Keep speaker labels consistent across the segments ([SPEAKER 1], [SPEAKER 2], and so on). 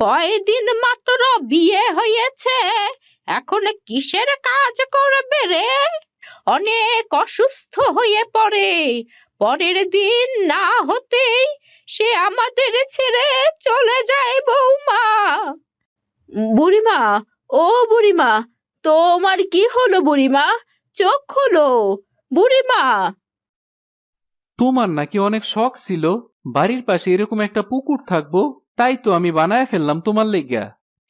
[SPEAKER 1] কয়দিন মাত্র বিয়ে হয়েছে, এখন কিসের কাজ করবে রে? অনেক অসুস্থ হয়ে পড়ে, পরের দিন না হতেই সে আমাদের ছেড়ে চলে যায় বৌমা। বুড়িমা, ও বুড়িমা, তোমার কি হলো বুড়িমা? চোখ খোলো বুড়িমা।
[SPEAKER 2] তোমার নাকি অনেক শখ ছিল বাড়ির পাশে এরকম একটা পুকুর থাকবো, তাই তো আমি বানায় ফেললাম তোমার লেগা।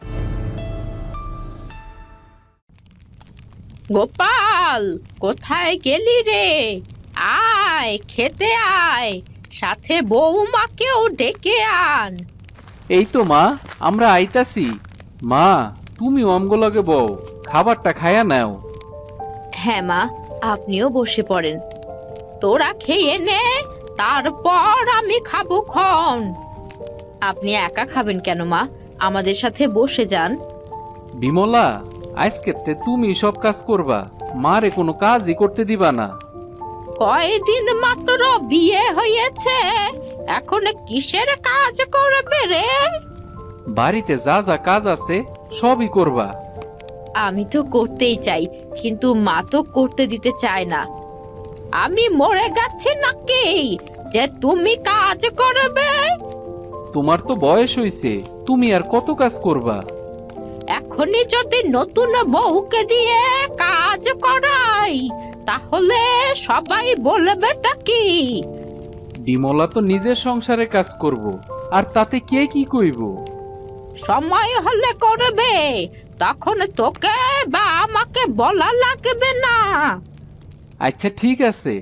[SPEAKER 1] গোপাল, কোথায় গেলি রে? আয়, খেতে আয়, সাথে বৌমাকেও ডেকে আন।
[SPEAKER 2] এই তো মা, আমরা আইতাছি। মা, তুমি আমগোলগে বউ, খাবারটা খায়া নাও।
[SPEAKER 1] হ্যাঁ মা, আপনিও বসে পড়েন। তোরা খেয়ে নে, তারপর আমি খাবো খন। আপনি একা খাবেন কেন মা? আমাদের সাথে বসে যান।
[SPEAKER 2] বিমলা, আজকেতে তুমি সব কাজ করবা, মারে কোনো কাজই করতে দিবা না।
[SPEAKER 1] কয়দিন মাত্র বিয়ে হয়েছে, এখন কিসের কাজ করবে রে?
[SPEAKER 2] বাড়িতে যা যা কাজ আছে সবই করবা।
[SPEAKER 1] আমি তো করতেই চাই, কিন্তু মা তো করতে দিতে চায় না। আমি মরে গেছি নাকি যে তুমি কাজ করবে?
[SPEAKER 2] তোমার তো বয়স হইছে, তুমি আর কত কাজ করবা?
[SPEAKER 1] এখনই যদি নতুন বউকে দিয়ে কাজ করাই, তাহলে সবাই বলবেটা কি?
[SPEAKER 2] বিমলা তো নিজের সংসারে কাজ করব, আর তাতে কে কি কইব?
[SPEAKER 1] সময় হলে করবে, তখন তোকে বা আমাকে বলা লাগবে না।
[SPEAKER 2] আচ্ছা ঠিক আছে।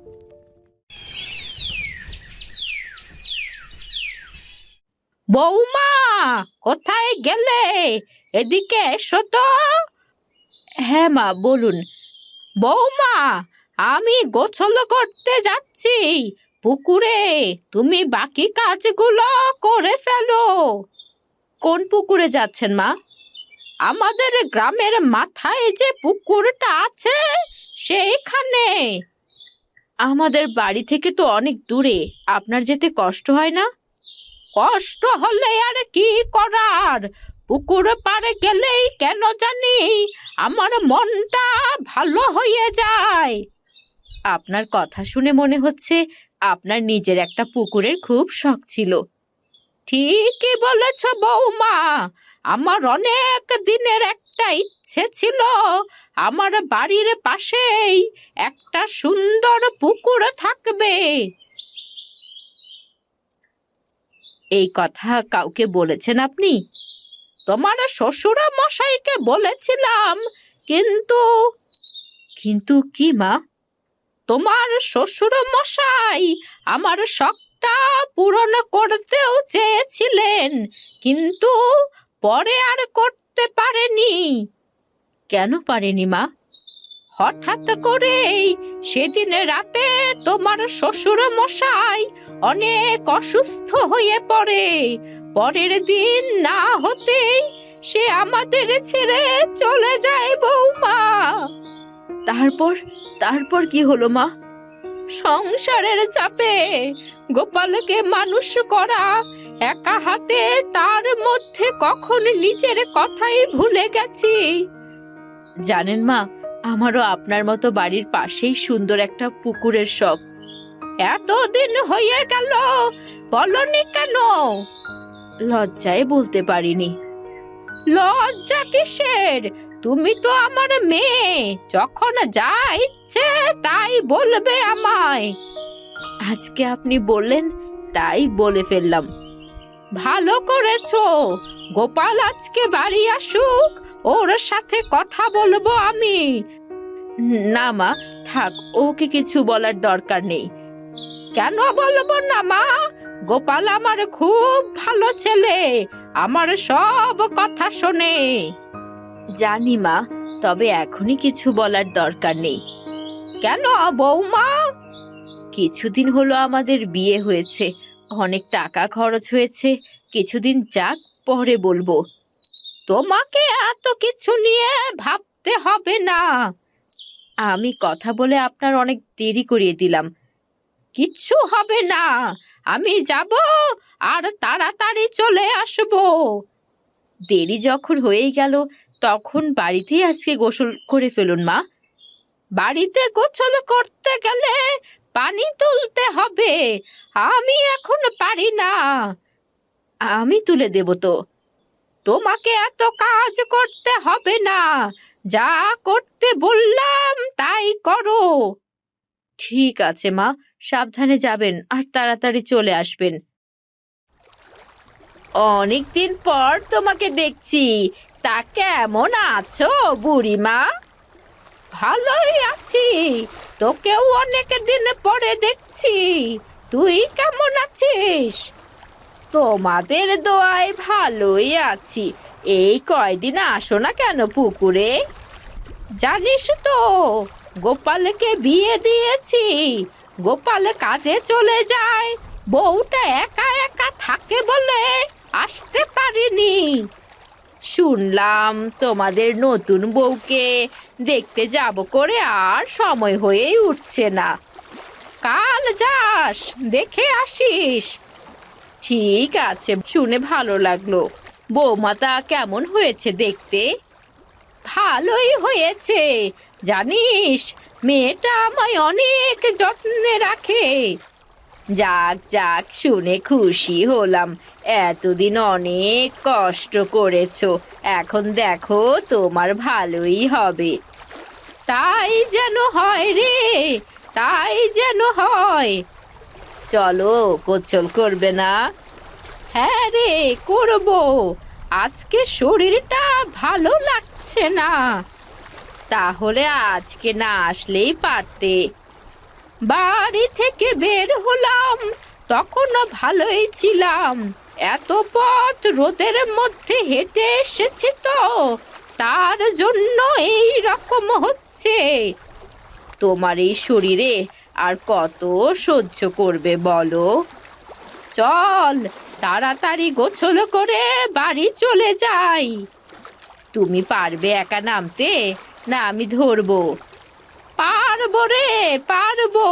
[SPEAKER 1] বৌমা, কোথায় গেলে? এদিকে এসো তো। হ্যাঁ মা, বলুন। বৌমা, আমি গোসল করতে যাচ্ছি পুকুরে, তুমি বাকি কাজগুলো করে ফেলো। কোন পুকুরে যাচ্ছেন মা? আমাদের গ্রামের মাথায় যে পুকুরটা আছে সেইখানে। আমাদের বাড়ি থেকে তো অনেক দূরে, আপনার যেতে কষ্ট হয় না? কষ্ট হলে আর কি করার, পুকুর পাড়ে গেলেই কেন জানি আমার মনটা ভালো হয়ে যায়। আপনার কথা শুনে মনে হচ্ছে আপনার নিজের একটা পুকুরের খুব শখ ছিল। ঠিকই বলেছ বৌমা, আমার অনেক দিনের একটা ইচ্ছে ছিল আমার বাড়ির পাশেই একটা সুন্দর পুকুর থাকবে। এই কথা কাউকে বলেছেন আপনি? তোমার শ্বশুর মশাইকে বলেছিলাম, কিন্তু। কিন্তু কি মা? তোমার শ্বশুর মশাই আমার শখটা পূরণ করতেও চেয়েছিলেন, কিন্তু পরে আর করতে পারেনি। কেন পারেনি মা? হঠাৎ করেই সেদিন রাতে তোমার শ্বশুর মশাই অনেক অসুস্থ হয়ে পড়ে, পরের দিন না হতেই সে আমাদের ছেড়ে চলে যায় বৌমা। তারপর তারপর কি হলো মা? সংসারের চাপে গোপালকে মানুষ করা একা হাতে, তার মধ্যে কখন নিজের কথাই ভুলে গেছি। জানেন মা, আমারও আপনার মতো বাড়ির পাশেই সুন্দর একটা পুকুরের শখ। এতদিন হয়ে গেল বলনি কেন? লজ্জায় বলতে পারিনি। লজ্জা কিসের? তুমি তো আমার মেয়ে, যখন যা ইচ্ছে তাই বলবে আমায়। আজকে আপনি বললেন তাই বলে ফেললাম। ভালো করেছো। গোপাল আজকে বাড়ি আসুক, ওর সাথে কথা বলবো আমি। না মা, থাক, ওকে কিছু বলার দরকার নেই। কেন বলবো না মা? গোপাল আমার খুব ভালো ছেলে, আমার সব কথা শোনে। জানি মা, তবে এখনই কিছু বলার দরকার নেই। কেন বৌমা? কিছুদিন হলো আমাদের বিয়ে হয়েছে, অনেক টাকা খরচ হয়েছে, কিছুদিন যাক, পরে বলবো। তোমাকে এত কিছু নিয়ে ভাবতে হবে না। আমি কথা বলে আপনার অনেক দেরি করিয়ে দিলাম। কিচ্ছু হবে না, আমি যাব আর তাড়াতাড়ি চলে আসবো। দেরি যখন হয়েই গেল, তখন বাড়িতেই আজকে গোসল করে ফেলুন মা। বাড়িতে গোসল করতে গেলে পানি তুলতে হবে, আমি এখন পারি না। আমি তুলে দেব তো। তোমাকে এত কাজ করতে হবে না, যা করতে বললাম তাই করো। ঠিক আছে মা, সাবধানে যাবেন আর তাড়াতাড়ি চলে আসবেন। অনেকদিন পর তোমাকে দেখছি, তা কেমন আছো বুড়িমা? ভালোই আছি, তোকেও অনেক দিন পরে দেখছি। তুই কেমন আছিস? তোমাদের দোয়ায় ভালোই আছি। এই কয়দিন আসো না কেন পুকুরে? জানিস তো, গোপালকে বিয়ে দিয়েছি। গোপাল কাজে চলে যায়, বউটা একা একা থাকে বলে আসতে পারিনি। শুনলাম তোমাদের নতুন বউকে দেখতে যাব করে আর সময় হয়েই উঠছে না। কাল যাস, দেখে আসিস। ঠিক আছে, শুনে ভালো লাগলো। বৌমাতা কেমন হয়েছে দেখতে? ভালোই হয়েছে। জানিস, মেয়েটা আমায় অনেক যত্নে রাখে। যাক যাক, শুনে খুশি হলাম। এতদিন অনেক কষ্ট করেছো, এখন দেখো তোমার ভালোই হবে। তাই যেন হয় রে, তাই যেন হয়। চলো, গোসল করবে না? হ্যাঁ রে, করবো। আজকে শরীরটা ভালো লাগছে না। তাহলে আজকে না আসলেই পারতে। বাড়ি থেকে বের হলাম তখনও ভালোই ছিলাম, এত পথ রোদের মধ্যে হেঁটে এসেছি তো, তার জন্য এই রকম হচ্ছে। তোমার এই শরীরে আর কত সহ্য করবে বলো? চল, তাড়াতাড়ি গোসল করে বাড়ি চলে যাই। তুমি পারবে একা নামতে, না আমি ধরবো? পারবো রে, পারবো।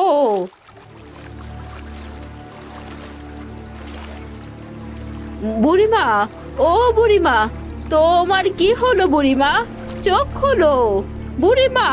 [SPEAKER 1] বুড়িমা, ও বুড়িমা, তোমার কি হলো বুড়িমা? চোখ খোলো বুড়িমা।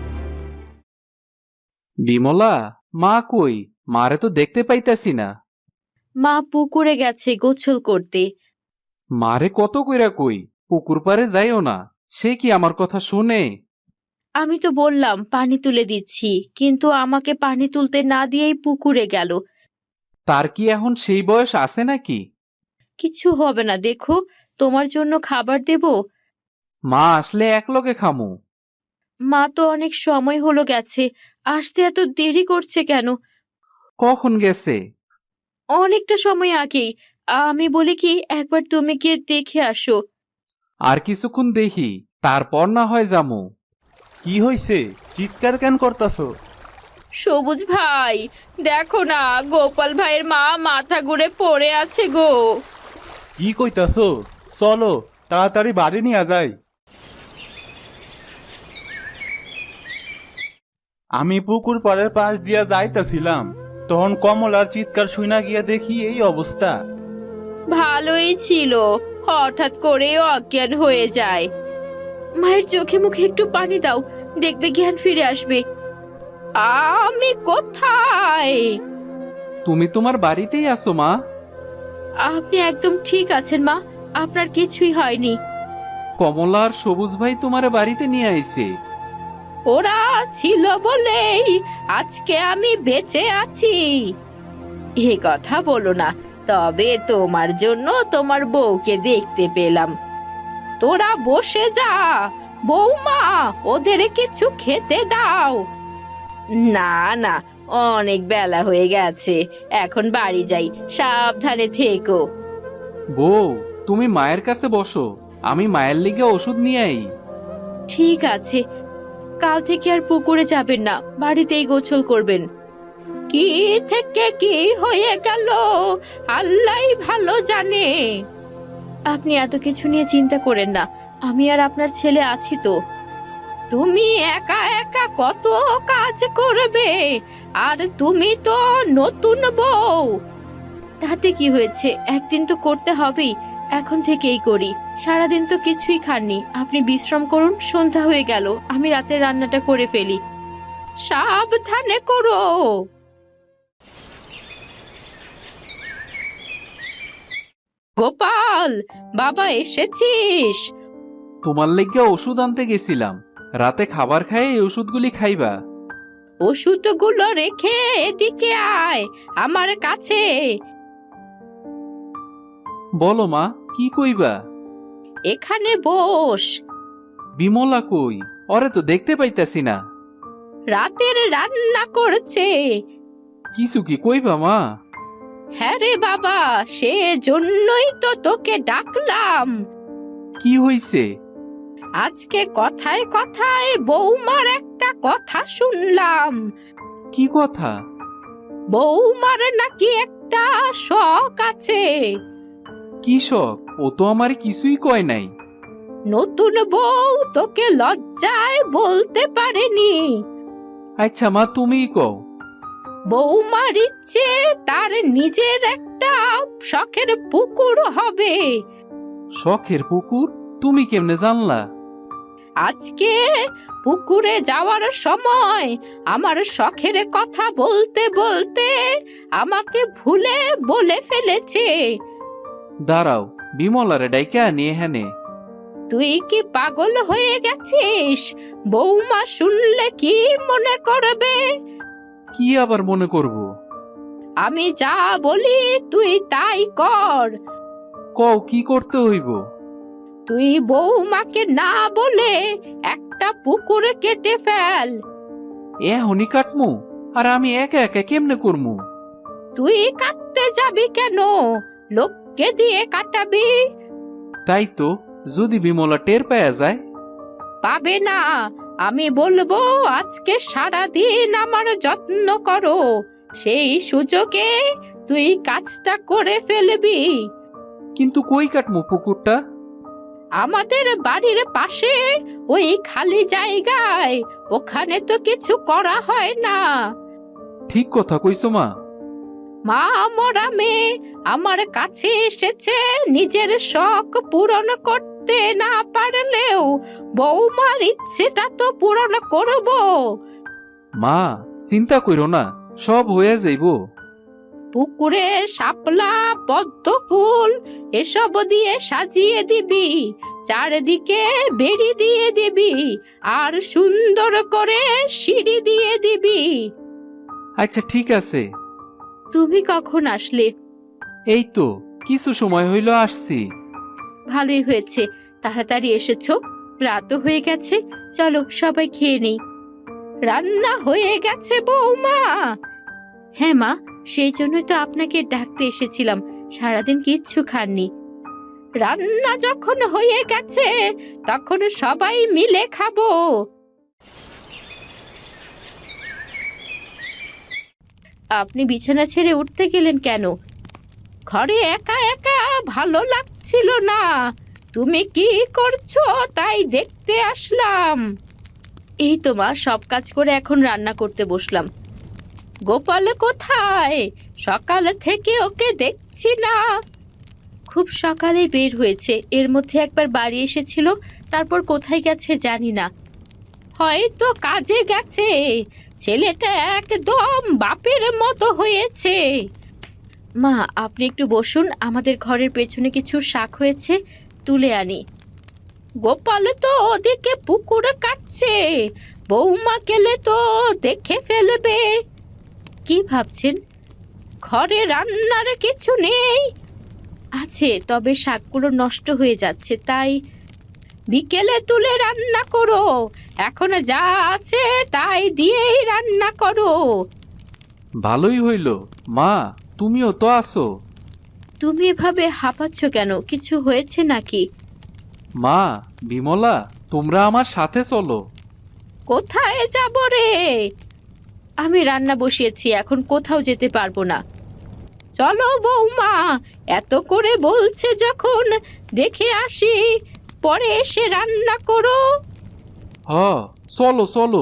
[SPEAKER 2] বিমলা, মা কই? মারে তো দেখতে পাইতাছি না।
[SPEAKER 1] মা পুকুরে গেছে গোসল করতে।
[SPEAKER 2] মারে কত কইরা কই পুকুর পাড়ে যাইও না, সে কি আমার কথা শুনে?
[SPEAKER 1] আমি তো বললাম পানি তুলে দিচ্ছি, কিন্তু আমাকে পানি তুলতে না দিয়েই পুকুরে গেল।
[SPEAKER 2] তার কি এখন সেই বয়স আছে নাকি?
[SPEAKER 1] কিছু হবে না, দেখো, তোমার জন্য খাবার দেব।
[SPEAKER 2] মা আসলে একলগে খামু।
[SPEAKER 1] মা তো অনেক সময় হলো গেছে, আসতে এত দেরি করছে কেন?
[SPEAKER 2] কখন গেছে?
[SPEAKER 1] অনেকটা সময় আগেই। আমি বলি কি, একবার তুমি গিয়ে দেখে আসো।
[SPEAKER 2] আর কিছুক্ষণ দেখি, তারপর না হয় যামু।
[SPEAKER 3] কি হইছে? চিৎকার কেন করতাছো?
[SPEAKER 1] সবুজ ভাই, দেখো না, গোপাল ভাইয়ের মা মাথা ঘুরে পড়ে আছে গো।
[SPEAKER 3] কি কইতাছো? চলো, তাড়াতাড়ি বাড়ি নিয়ে যাই। আমি পুকুর পাড়ের পাশ দিয়া যাইতাছিলাম, তখন কমলার চিৎকার শুনা গিয়া দেখি এই অবস্থা।
[SPEAKER 1] ভালোই ছিল, হঠাৎ করে অজ্ঞান হয়ে যায়। মায়ের চোখে মুখে একটু পানি দাও, দেখবে জ্ঞান ফিরে আসবে। আমি কোথায়?
[SPEAKER 2] তুমি তোমার বাড়িতেই আছো মা।
[SPEAKER 1] আপনি একদম ঠিক আছেন মা, আপনার কিছুই হয়নি।
[SPEAKER 2] কমলা আর সবুজ ভাই তোমারে বাড়িতে নিয়ে আইছে।
[SPEAKER 1] ওরা ছিল বলেই আজকে আমি বেঁচে আছি। এ কথা বলো না, তবে তোমার জন্য তোমার বউকে দেখতে পেলাম। তোরা বসে যা, বৌমা ওদের কিছু খেতে দাও। না না, অনেক বেলা হয়ে গেছে, এখন বাড়ি যাই, সাবধানে থেকো।
[SPEAKER 2] বউ, তুমি মায়ের কাছে বসো, আমি মায়ের লিগে ওষুধ নিয়ে আই।
[SPEAKER 1] ঠিক আছে, কাল থেকে আর পুকুরে যাবেন না, বাড়িতেই গোসল করবেন। কি থেকে কি হয়ে গেল আল্লাহই ভালো জানে। আপনি এত কিছু নিয়ে চিন্তা করেন না, আমি আর আপনার ছেলে আছি তো। তুমি একা একা কত কাজ করবে, আর তুমি তো নতুন বউ। তাতে কি হয়েছে, একদিন তো করতে হবেই। এখন থেকেই করি। সারাদিন তো কিছুই খাননি, আপনি বিশ্রাম করুন, সন্ধ্যা হয়ে গেল, আমি রাতে রান্নাটা করে ফেলি। সাবধানে করো। গোপাল, বাবা এসেছিস?
[SPEAKER 2] তোমার লেগে ওষুধ আনতে গেছিলাম, রাতে খাবার খায় এই ওষুধগুলি খাইবা।
[SPEAKER 1] ওষুধগুলো রেখে এদিকে আয় আমার কাছে।
[SPEAKER 2] বলো মা, কি কইবা?
[SPEAKER 1] এখানে বস।
[SPEAKER 2] বিমলা কই? ওরে তো দেখতে পাইতাছি না।
[SPEAKER 1] রাতের রান্না করছে।
[SPEAKER 2] কিছু কি কইবা মা?
[SPEAKER 1] হ্যাঁ রে বাবা, সে জন্যই তো তোকে ডাকলাম।
[SPEAKER 2] কি হইছে?
[SPEAKER 1] আজকে কথায় কথায় বৌমার একটা কথা শুনলাম।
[SPEAKER 2] কি কথা?
[SPEAKER 1] বৌমার নাকি একটা শখ আছে।
[SPEAKER 2] কি শখ? ও তো আমার কিছুই কয় নাই।
[SPEAKER 1] নতুন বউ তোকে লজ্জায় বলতে পারেনি।
[SPEAKER 2] আচ্ছা মা, তুমিই কও।
[SPEAKER 1] বৌমার ইচ্ছে তার নিজের একটা শখের পুকুর হবে।
[SPEAKER 2] শখের পুকুর? তুমি কেমনে জানলা?
[SPEAKER 1] আজকে পুকুরে যাওয়ার সময় আমার শখের কথা বলতে বলতে আমাকে ভুলে বলে ফেলেছে।
[SPEAKER 2] দাঁড়াও, বিমলারে ডাইকা নিয়ে হেনে।
[SPEAKER 1] তুই কি পাগল হয়ে গেছিস? বৌমা শুনলে কি মনে করবে?
[SPEAKER 2] কি আবার মনে করব?
[SPEAKER 1] আমি যা বলি তুই তাই কর।
[SPEAKER 2] কও, কি করতে হইব?
[SPEAKER 1] তুই বৌমাকে না বলে একটা পুকুর কেটে ফেল।
[SPEAKER 2] এখনই কাটমু? আর আমি একা একা কেমনে করমু?
[SPEAKER 1] তুই কাটতে যাবি কেন? লোককে দিয়ে কাটাবি।
[SPEAKER 2] তাই তো, যদি বিমলা টের পাওয়া যায়?
[SPEAKER 1] পাবে না। আমি বলবো আজকে সারা দিন আমার যত্ন করো, সেই সুযোগে তুই কাজটা করে ফেলবি।
[SPEAKER 2] কিন্তু কই কাটমু পুকুরটা?
[SPEAKER 1] আমাদের বাড়ির পাশে ওই খালি জায়গায়, ওখানে তো কিছু করা হয় না।
[SPEAKER 2] ঠিক কথা কইছো মা।
[SPEAKER 1] মা মরা মেয়ে আমার কাছে এসেছে নিজের শখ পূরণ করতে না পারলেও বৌমার ইচ্ছেটা তো পূরণ করব।
[SPEAKER 2] মা, চিন্তা কইরো না, সব হয়ে যাইব।
[SPEAKER 1] পুকুরে শাপলা পদ্ম ফুল এসব দিয়ে সাজিয়ে দিবি, চারদিকে বেড়ি দিয়ে দিবি, আর সুন্দর করে সিঁড়ি দিয়ে দিবি।
[SPEAKER 2] আচ্ছা ঠিক আছে।
[SPEAKER 1] তুমি কখন আসলে?
[SPEAKER 2] এই তো কিছু সময় হইল আসছি।
[SPEAKER 1] ভালোই হয়েছে, তাড়াতাড়ি এসেছো, রাতও হয়ে গেছে। চলো সবাই খেয়ে নেই। রান্না হয়ে গেছে বৌমা? হ্যাঁ মা, সেই জন্যই তো আপনাকে ডাকতে এসেছিলাম, সারাদিন কিচ্ছু খাননি। রান্না যখন হয়ে গেছে তখন সবাই মিলে খাবো। আপনি বিছানা ছেড়ে উঠতে গেলেন কেন? ঘরে একা একা ভালো লাগছিল না, তুমি কি করছো তাই দেখতে আসলাম। এই তো মা, সব কাজ করে এখন রান্না করতে বসলাম। গোপাল কোথায়? সকাল থেকে ওকে দেখছি না। খুব সকালে বের হয়েছে, এর মধ্যে একবার বাড়ি এসেছিল, তারপর কোথায় গেছে জানি না। হয়তো কাজে গেছে। ছেলেটা একদম বাপের মতো হয়েছে। মা, আপনি একটু বসুন, আমাদের ঘরের পেছনে কিছু শাক হয়েছে, তুলে আনি। গোপাল তো ওদিকে পুকুরে কাটছে, বৌমা গেলে তো দেখে ফেলবে। কি ভাবছেন? ঘরে রান্নার কিছু নেই? আছে, তবে শাকগুলো নষ্ট হয়ে যাচ্ছে, তাই বিকেলে তুলে রান্না করো। এখন যা আছে তাই দিয়েই রান্না করো।
[SPEAKER 2] ভালোই হইল। মা, তুমিও তো আছো।
[SPEAKER 1] তুমি এভাবে হাঁপাচ্ছ কেন? কিছু হয়েছে নাকি?
[SPEAKER 2] মা, বিমলা, তোমরা আমার সাথে চলো।
[SPEAKER 1] কোথায় যাব রে? আমি রান্না বসিয়েছি, এখন কোথাও যেতে পারবো না। চলো বৌমা, এত করে বলছে যখন, দেখে আসি, পরে এসে রান্না করো।
[SPEAKER 2] হ, চলো চলো।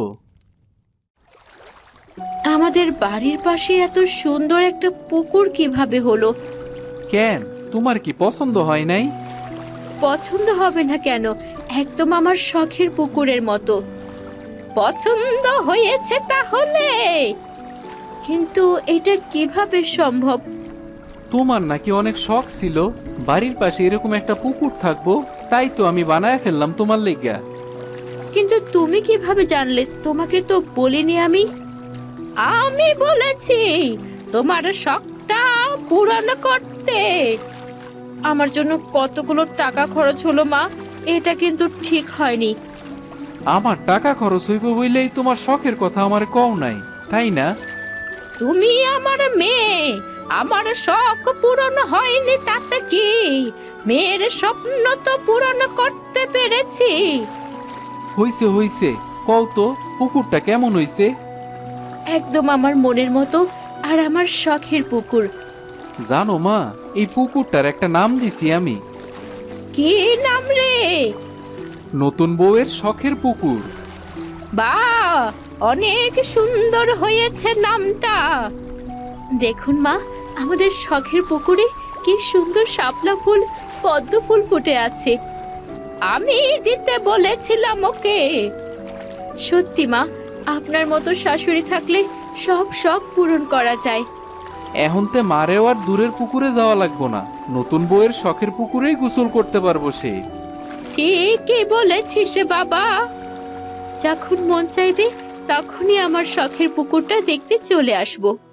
[SPEAKER 1] আমাদের বাড়ির পাশে এত সুন্দর একটা পুকুর কিভাবে হলো?
[SPEAKER 2] কেন, তোমার কি পছন্দ হয় নাই?
[SPEAKER 1] পছন্দ হবে না কেন? একদম আমার শখের পুকুরের মতো। পছন্দ হয়েছে তাহলে, কিন্তু এটা কিভাবে সম্ভব?
[SPEAKER 2] তোমার নাকি অনেক শখ ছিল বাড়ির পাশে এরকম একটা পুকুর থাকবো, তাই তো আমি বানায় ফেললাম তোমার লেগা।
[SPEAKER 1] কিন্তু তুমি কিভাবে জানলে? তোমাকে তো বলিনি আমি। আমি বলেছি তোমার শখটা পূরণ করতে। আমার জন্য কতগুলো টাকা খরচ হলো মা, এটা কিন্তু ঠিক হয়নি।
[SPEAKER 2] আমার টাকা খরচ হইব বইলেই তোমার শখের কথা আমার কও নাই, তাই না?
[SPEAKER 1] তুমি আমার মেয়ে, আমার শখ পূরণ হয়নি তাতে কি? মেয়ের স্বপ্ন তো পূরণ করতে পেরেছি।
[SPEAKER 2] হইছে হইছে, কও তো পুকুরটা কেমন হইছে?
[SPEAKER 1] একদম আমার মনের মতো, আর আমার শখের পুকুর।
[SPEAKER 2] জানো মা, এই পুকুরটার একটা নাম দিছি আমি।
[SPEAKER 1] কি নাম রে?
[SPEAKER 2] নতুন বউয়ের শখের পুকুর।
[SPEAKER 1] বাহ, অনেক সুন্দর হয়েছে নামটা। দেখুন মা, আমাদের শখের পুকুরে কি সুন্দর শাপলা ফুল, পদ্ম ফুল ফুটে আছে। আমি দিতে বলেছিলাম ওকে। সত্যি মা, আপনার মতো শাশুড়ি থাকলে সব শখ পূরণ করা যায়।
[SPEAKER 2] এখন তে মারেও আর দূরের পুকুরে যাওয়া লাগবো না, নতুন বউয়ের শখের পুকুরেই গোসল করতে পারবো সে।
[SPEAKER 1] ঠিকই বলেছিস বাবা। যখন মন চাইবে তখনই আমার শখের পুকুরটা দেখতে চলে আসবো।